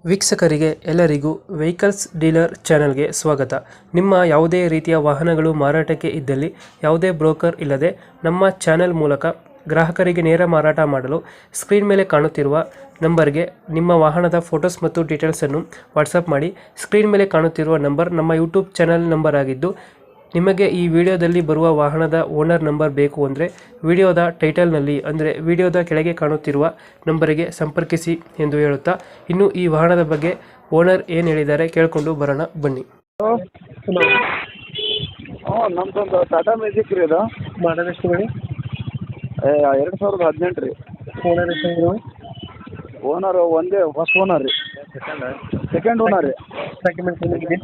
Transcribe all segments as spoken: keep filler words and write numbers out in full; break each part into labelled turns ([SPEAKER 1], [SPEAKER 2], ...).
[SPEAKER 1] ವೀಕ್ಷಕರಿಗೆ ಎಲ್ಲರಿಗೂ vehicles dealer ಚಾನೆಲ್ಗೆ ಸ್ವಾಗತ. ನಿಮ್ಮ ಯಾವುದೇ ರೀತಿಯ ವಾಹನಗಳು ಮಾರಾಟಕ್ಕೆ ಇದ್ದಲ್ಲಿ ಯಾವುದೇ ಬ್ರೋಕರ್ ಇಲ್ಲದೆ ನಮ್ಮ ಚಾನೆಲ್ ಮೂಲಕ ಗ್ರಾಹಕರಿಗೆ ನೇರ ಮಾರಾಟ ಮಾಡಲು ಸ್ಕ್ರೀನ್ ಮೇಲೆ ಕಾಣುತ್ತಿರುವ ನಂಬರ್ಗೆ ನಿಮ್ಮ ವಾಹನದ ಫೋಟೋಸ್ ಮತ್ತು ಡೀಟೇಲ್ಸನ್ನು ವಾಟ್ಸಪ್ ಮಾಡಿ. ಸ್ಕ್ರೀನ್ ಮೇಲೆ ಕಾಣುತ್ತಿರುವ ನಂಬರ್ ನಮ್ಮ ಯೂಟ್ಯೂಬ್ ಚಾನೆಲ್ ನಂಬರ್ ಆಗಿದ್ದು, ನಿಮಗೆ ಈ ವಿಡಿಯೋದಲ್ಲಿ ಬರುವ ವಾಹನದ ಓನರ್ ನಂಬರ್ ಬೇಕು ಅಂದರೆ ವಿಡಿಯೋದ ಟೈಟಲ್ನಲ್ಲಿ ಅಂದರೆ ವಿಡಿಯೋದ ಕೆಳಗೆ ಕಾಣುತ್ತಿರುವ ನಂಬರಿಗೆ ಸಂಪರ್ಕಿಸಿ ಎಂದು ಹೇಳುತ್ತಾ, ಇನ್ನು ಈ ವಾಹನದ ಬಗ್ಗೆ ಓನರ್ ಏನು ಹೇಳಿದ್ದಾರೆ ಕೇಳಿಕೊಂಡು ಬರೋಣ ಬನ್ನಿ.
[SPEAKER 2] ಹಾಂ ನಮ್ದೊಂದು ಟಾಟಾ ಮ್ಯಾಜಿಕ್ ರೀ ಇದು.
[SPEAKER 1] ಮಾಡಲ್ ಎಷ್ಟು ಹೇಳಿ?
[SPEAKER 2] ಎರಡು ಸಾವಿರದ ಹದಿನೆಂಟು ರೀ.
[SPEAKER 1] ಓನರ್ ಎಷ್ಟು?
[SPEAKER 2] ಓನರ್ ಒಂದೇ ಫಸ್ಟ್ ಓನರ್ ರೀ. ಸೆಕೆಂಡ್ ಓನರ್ ರೀ.
[SPEAKER 1] ಡಾಕ್ಯುಮೆಂಟ್ಸ್ ಏನಿದೆ?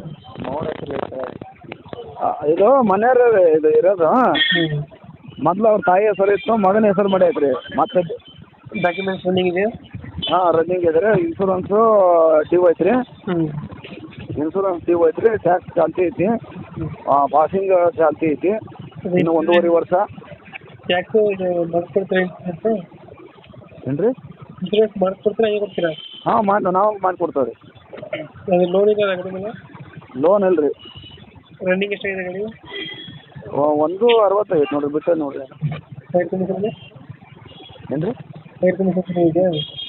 [SPEAKER 2] ಇದು ಮನೆಯವ್ರ ಇದು ಇರೋದು. ಮೊದಲು ಅವ್ರ ತಾಯಿ ಹೆಸರು ಇತ್ತು, ಮಗನ ಹೆಸರು ಮಾಡೈತೆ ರೀ. ಮತ್ತೆ
[SPEAKER 1] ಡಾಕ್ಯುಮೆಂಟ್ಸ್ ರನ್ನಿಂಗ್ ಇದೆ?
[SPEAKER 2] ಹಾಂ ರನ್ನಿಂಗ್ ಇದೆ ರೀ. ಇನ್ಶೂರೆನ್ಸು ಡ್ಯೂ ಐತೆ ರೀ. ಇನ್ಶೂರೆನ್ಸ್ ಡ್ಯೂ ಐತೆ ರೀ. ಟ್ಯಾಕ್ಸ್ ಚಾಲ್ತಿ ಐತಿ. ಪಾಸಿಂಗ್ ಚಾಲ್ತಿ ಐತಿ. ಇನ್ನು ಒಂದೂವರೆ ವರ್ಷ.
[SPEAKER 1] ಟ್ಯಾಕ್ಸು ಇದು ಮಾಡಿಸ್ಕೊಡ್ತೀರಾ?
[SPEAKER 2] ಏನು ರೀ?
[SPEAKER 1] ಇನ್ಶೂರೆನ್ಸ್ ಮಾಡಿಸ್ಕೊಡ್ತೀರಾ, ಹೇಗೆ ಕೊಡ್ತೀರಾ?
[SPEAKER 2] ಹಾಂ ಮಾಡಿ ನಾವು ಮಾಡಿಕೊಡ್ತೇವೆ ರೀ.
[SPEAKER 1] ಅದು ಲೋನ್ ಇದೆ ಗಾಡಿ ಮೇಲೆ?
[SPEAKER 2] ಲೋನ್ ಇಲ್ಲ ರೀ.
[SPEAKER 1] ರನ್ನಿಂಗ್ ಎಷ್ಟಾಗಿದೆ ಗಾಡಿ?
[SPEAKER 2] ಒಂದು ಅರವತ್ತೈದು ನೋಡಿರಿ, ಬಿಟ್ಟು ನೋಡಿರಿ.
[SPEAKER 1] Tyre condition?
[SPEAKER 2] ಏನು ರೀ?
[SPEAKER 1] ಟೈರ್ ಕಂಡೀಷನ್ ಇದೆ?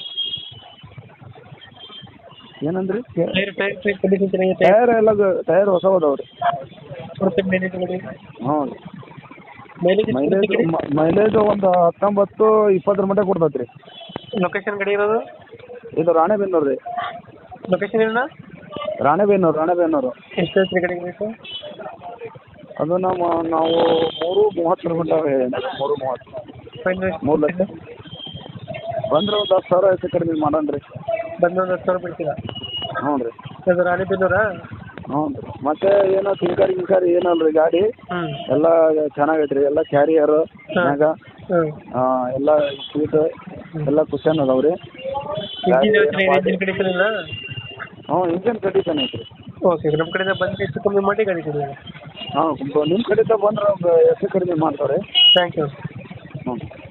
[SPEAKER 2] ಏನಂದ್ರಿ?
[SPEAKER 1] ಟೈರ್ ಟೈರ್ ಟೈರ್ ಕಂಡೀಷನ್ ಚೆನ್ನಾಗಿದೆ?
[SPEAKER 2] ಟೈರ್ ಎಲ್ಲ ಟೈರ್ ಹೊಸ ಅದಾವೆ ರೀ.
[SPEAKER 1] ಕೊಡುತ್ತೆ ಮೈಲೇಜ್ ಗಾಡಿ?
[SPEAKER 2] ಹ್ಞೂ.
[SPEAKER 1] ಮೈಲೇಜ್
[SPEAKER 2] ಮೈಲೇಜ್ ಮೈಲೇಜ್ ಒಂದು ಹತ್ತೊಂಬತ್ತು ಇಪ್ಪತ್ತರ ಮಟ್ಟ ಕೊಡ್ತೈತೆ ರೀ.
[SPEAKER 1] ಲೊಕೇಶನ್ ಗಾಡಿ ಇರೋದು?
[SPEAKER 2] ಇದು ರಾಣೆಬೆನ್ನೂರು ರೀ.
[SPEAKER 1] ಲೊಕೇಶನ್ ಏನ?
[SPEAKER 2] ರಾಣೆಬೆನ್ನೂರು ರಾಣೆಬೆನ್ನೂರು.
[SPEAKER 1] ಎಷ್ಟು ಹೇಳ್ತೀರಿ ಗಾಡಿಗೆ ಬೇಕು?
[SPEAKER 2] ಅದು ನಮ್ಮ ನಾವು ಮೂರು ಮೂವತ್ತರ ಮಟ್ಟ ಮೂರು ಮೂವತ್ತು.
[SPEAKER 1] ಫೈನಲ್
[SPEAKER 2] ಮೂರು ಲಕ್ಷ ಬಂದ್ರೆ ಒಂದು ಹತ್ತು ಸಾವಿರ ಹೆಚ್ಚು ಕಡಿಮೆ ಮಾಡೋಣ ರೀ.
[SPEAKER 1] ಬಂದು ಒಂದು ಹತ್ತು ಸಾವಿರ ಬಿಡ್ತೀರಾ?
[SPEAKER 2] ಹ್ಞೂ ರೀ.
[SPEAKER 1] ಅದು ರಾಣಿಬೆನ್ನೂರಾ?
[SPEAKER 2] ಹ್ಞೂ ರೀ. ಮತ್ತೆ ಏನೋ ತಿನ್ಕಾರಿ ಗಿನ್ಕಾರಿ ಏನಲ್ಲ ರೀ ಗಾಡಿ ಎಲ್ಲ ಚೆನ್ನಾಗೈತೆ ರೀ. ಎಲ್ಲ ಕ್ಯಾರಿಯರು ಮ್ಯಾಗ ಎಲ್ಲ ಸೀಟ್ ಎಲ್ಲ ಕುಷನ್ ಅದಾವೆ ರೀ.
[SPEAKER 1] ಇಂಜಿನ್ ಕಂಡೀಷನ್ ಇಲ್ಲ?
[SPEAKER 2] ಹ್ಞೂ ಇಂಜಿನ್ ಕಂಡೀಷನ್ ಐತೆ ರೀ.
[SPEAKER 1] ಓಕೆ, ನಮ್ಮ ಕಡೆಯಿಂದ ಬಂದು ಹೆಚ್ಚು ಕಮ್ಮಿ ಮಾಡಿ ಗಾಡಿ ಕೊಡಿ.
[SPEAKER 2] ಹಾಂ ನಿಮ್ಮ ಕಡೆಯಿಂದ ಬಂದ್ರೆ ಒಂದು ಹೆಚ್ಚು ಕಡಿಮೆ ಮಾಡ್ತಾರೆ.
[SPEAKER 1] Thank you.
[SPEAKER 2] ಹ್ಞೂ.